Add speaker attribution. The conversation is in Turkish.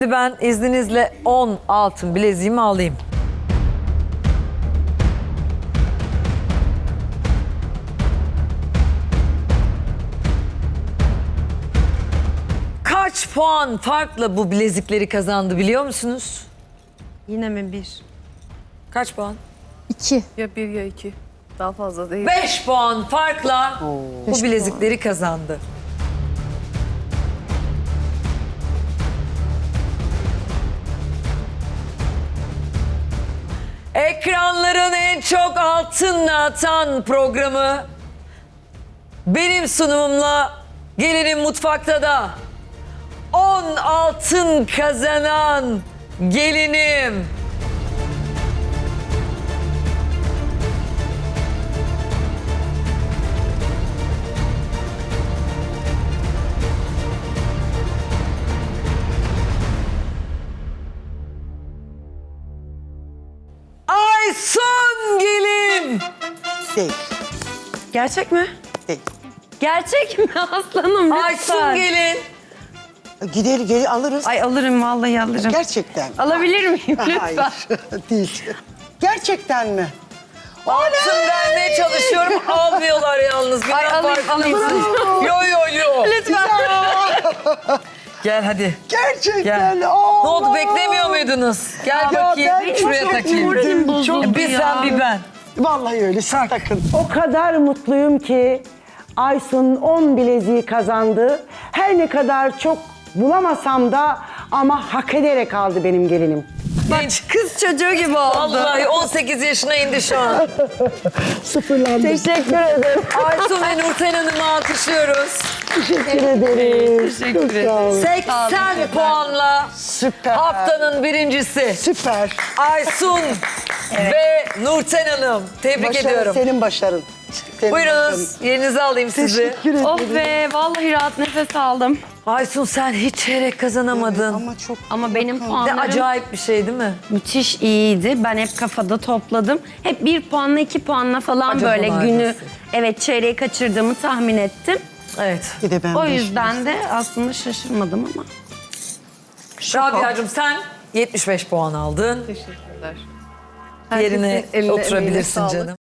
Speaker 1: Ben izninizle 10 altın bileziğimi alayım. Kaç puan farkla bu bilezikleri kazandı biliyor musunuz?
Speaker 2: Yine mi bir?
Speaker 1: Kaç puan?
Speaker 3: 2.
Speaker 2: Ya bir ya iki. Daha fazla değil.
Speaker 1: 5 puan farkla bu bilezikleri kazandı. Ekranların en çok altınla atan programı benim sunumumla Gelinin Mutfakta da 10 altın kazanan gelinim. Aysun gelin.
Speaker 4: Değil,
Speaker 2: Gerçek mi?
Speaker 4: değil.
Speaker 2: Gerçek mi aslanım lütfen?
Speaker 1: Aysun gelin.
Speaker 4: Gel alırız.
Speaker 2: Ay alırım vallahi alırım.
Speaker 4: Gerçekten.
Speaker 2: Alabilir miyim lütfen?
Speaker 4: Hayır, değil. Gerçekten mi?
Speaker 1: Altın vermeye çalışıyorum. Almıyorlar yalnız.
Speaker 2: Ay alayım.
Speaker 1: Yo yo yo.
Speaker 2: Lütfen.
Speaker 1: Gel hadi.
Speaker 4: Gerçekten.
Speaker 1: Gel.
Speaker 4: Allah.
Speaker 1: Ne oldu beklemiyor muydunuz? Gel
Speaker 4: Ya
Speaker 1: bakayım.
Speaker 4: ben
Speaker 1: Şuraya
Speaker 4: çok
Speaker 1: takayım.
Speaker 2: Moralim bozuldu
Speaker 1: Bir
Speaker 2: ya.
Speaker 1: sen bir ben.
Speaker 4: Vallahi öyle, siz takın.
Speaker 5: O kadar mutluyum ki Aysun 10 bileziği kazandı. Her ne kadar çok bulamasam da ama hak ederek aldı benim gelinim.
Speaker 2: Bak kız çocuğu gibi oldu.
Speaker 1: Vallahi 18 yaşına indi şu an.
Speaker 5: Sıfırlandı.
Speaker 2: Teşekkür ederim.
Speaker 1: Aysun ve Nurten Hanım'ı alkışlıyoruz.
Speaker 5: Teşekkür ederim.
Speaker 2: Teşekkür
Speaker 5: Çok sağ olun.
Speaker 1: 80 puanla
Speaker 4: Süper.
Speaker 1: haftanın birincisi
Speaker 4: Süper.
Speaker 1: Aysun ve Nurten Hanım. Tebrik
Speaker 4: Başarı
Speaker 1: ediyorum.
Speaker 4: senin başarın. Senin
Speaker 1: Buyurunuz yerinize alayım sizi.
Speaker 4: Teşekkür ederim.
Speaker 2: Oh be vallahi rahat nefes aldım.
Speaker 1: Aysun sen hiç çeyrek kazanamadın.
Speaker 4: Ama çok...
Speaker 2: Ama benim
Speaker 1: Ne
Speaker 2: puanlarım
Speaker 1: acayip bir şey değil mi?
Speaker 2: müthiş iyiydi. Ben hep kafada topladım. Hep 1 puanla 2 puanla falan
Speaker 1: Acaba
Speaker 2: böyle günü
Speaker 1: neredesin?
Speaker 2: çeyreği kaçırdığımı tahmin ettim.
Speaker 1: Evet.
Speaker 4: Bir de ben
Speaker 2: O
Speaker 4: beş
Speaker 2: yüzden de aslında şaşırmadım ama.
Speaker 1: Rabia'cığım sen 75 puan aldın.
Speaker 2: Teşekkürler.
Speaker 1: Yerine oturabilirsin canım.